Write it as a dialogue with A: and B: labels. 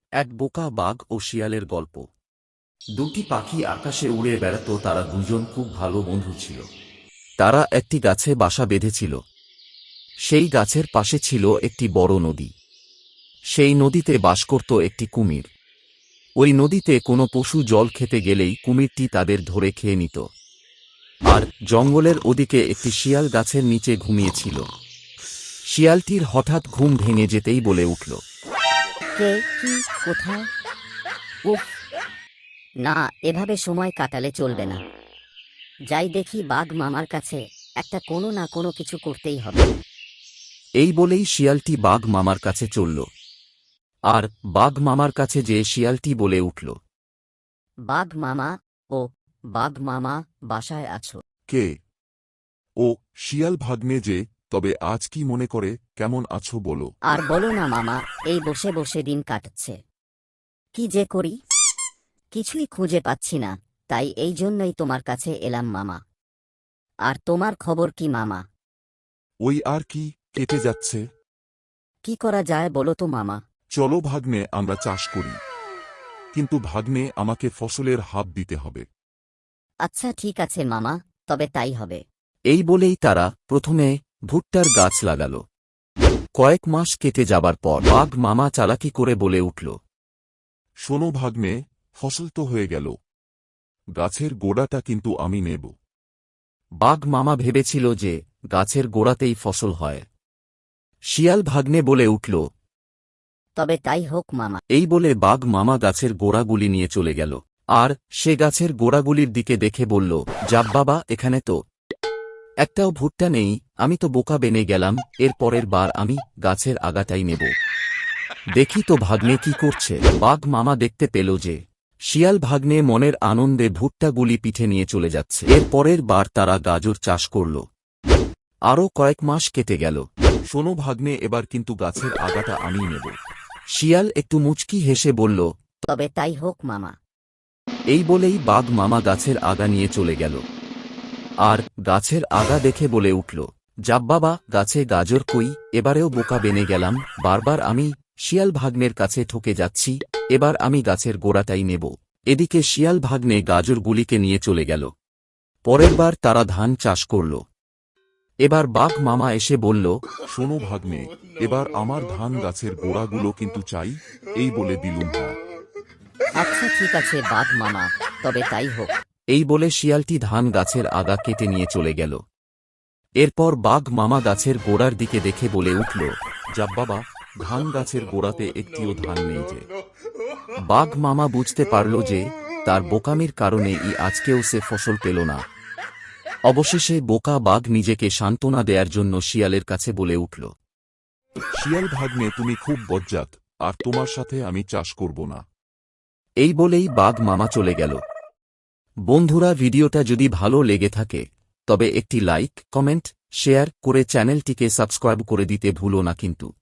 A: এক বোকা বাঘ ও শিয়ালের গল্প। দুটি পাখি আকাশে উড়ে বেড়াত, তারা দুজন খুব ভালো বন্ধু ছিল। তারা একটি গাছে বাসা বেঁধেছিল। সেই গাছের পাশে ছিল একটি বড় নদী। সেই নদীতে বাস করত একটি কুমির। ওই নদীতে কোনো পশু জল খেতে গেলেই কুমিরটি তাদের ধরে খেয়ে নিত। আর জঙ্গলের ওদিকে একটি শিয়াল গাছের নিচে ঘুমিয়েছিল। শিয়ালটির হঠাৎ ঘুম ভেঙে যেতেই বলে উঠল,
B: কে, কি, কোথায়? উফ, না, এভাবে সময় কাটালে চলবে না। যাই দেখি বাঘ মামার কাছে, একটা কোনো না কোনো কিছু করতেই হবে।
A: এই বলেই শিয়ালটি বাঘ মামার কাছে চলল। আর বাঘ মামার কাছে যেয়ে শিয়ালটি বলে উঠল,
B: বাঘ মামা, ও বাঘ মামা, বাসায় আছো?
C: কে? ও শিয়াল ভাগ্নে যে, তবে আজ কি মনে করে, কেমন আছো বলো।
B: আর বলো না মামা, এই বসে বসে দিন কাটছে। কি যে করি, কিছুই খুঁজে পাচ্ছি না, তাই এই জন্যই তোমার কাছে এলাম মামা। আর তোমার খবর কি মামা?
C: ওই আর কি, কেটে যাচ্ছে।
B: কি করা যায় বলো তো মামা?
C: চলো ভাগ্নে, আমরা চাষ করি। কিন্তু ভাগ্নে, আমাকে ফসলের হাব দিতে হবে।
B: আচ্ছা ঠিক আছে মামা, তবে তাই হবে।
A: এই বলেই তারা প্রথমে ভুট্টার গাছ লাগাল। কয়েক মাস কেটে যাবার পর বাঘ মামা চালাকি করে বলে উঠল,
C: শোনো ভাগ্নে, ফসল তো হয়ে গেল, গাছের গোড়াটা কিন্তু আমি নেব।
A: বাঘ মামা ভেবেছিল যে গাছের গোড়াতেই ফসল হয়। শিয়াল ভাগ্নে বলে উঠল,
B: তবে তাই হোক মামা।
A: এই বলে বাঘ মামা গাছের গোড়াগুলি নিয়ে চলে গেল। আর সে গাছের গোড়াগুলির দিকে দেখে বলল, যাব বাবা, এখানে তো একটাও ভুট্টা নেই, আমি তো বোকা বেনে গেলাম, এর পরের বার আমি গাছের আগাটাই নেব। দেখি তো ভাগ্নে কি করছে। বাঘ মামা দেখতে পেল যে শিয়াল ভাগ্নে মনের আনন্দে ভুট্টাগুলি পিঠে নিয়ে চলে যাচ্ছে। এর পরের বার তারা গাজর চাষ করল। আরও কয়েক মাস কেটে গেল।
C: শোনো ভাগ্নে, এবার কিন্তু গাছের আগাটা আমি নেব।
A: শিয়াল একটু মুচকি হেসে বলল,
B: তবে তাই হোক মামা।
A: এই বলেই বাঘ মামা গাছের আগা নিয়ে চলে গেল। আর গাছের আগা দেখে বলে উঠল, যাব বাবা, গাছে গাজর কই, এবারেও বোকা বেনে গেলাম, বারবার আমি শিয়াল ভাগ্নের কাছে ঠকে যাচ্ছি, এবার আমি গাছের গোড়াটাই নেব। এদিকে শিয়াল ভাগ্নে গাজরগুলিকে নিয়ে চলে গেল। পরের বার তারা ধান চাষ করল। এবার বাঘ মামা এসে বলল,
C: শোনো ভাগ্নে, এবার আমার ধান গাছের গোড়াগুলো কিন্তু চাই। এই বলে দিলুম হ্যাঁ।
B: আচ্ছা ঠিক আছে বাঘ মামা, তবে তাই হোক।
A: এই বলে শিয়ালটি ধান গাছের আগা কেটে নিয়ে চলে গেল। এরপর বাঘ মামা গাছের গোড়ার দিকে দেখে বলে উঠল,
C: যাব বাবা, ধান গাছের গোড়াতে একটিও ধান নেই যে।
A: বাঘ মামা বুঝতে পারল যে তার বোকামির কারণে আজকেও সে ফসল পেল না। অবশেষে বোকা বাঘ নিজেকে সান্ত্বনা দেয়ার জন্য শিয়ালের কাছে বলে উঠল,
C: শিয়াল ভাগ্নে, তুমি খুব বজ্জাত, আর তোমার সাথে আমি চাষ করব না।
A: এই বলেই বাঘ মামা চলে গেল। বন্ধুরা, ভিডিওটা যদি ভালো লেগে থাকে তবে একটি লাইক, কমেন্ট, শেয়ার করে চ্যানেলটিকে সাবস্ক্রাইব করে দিতে ভুলো না কিন্তু।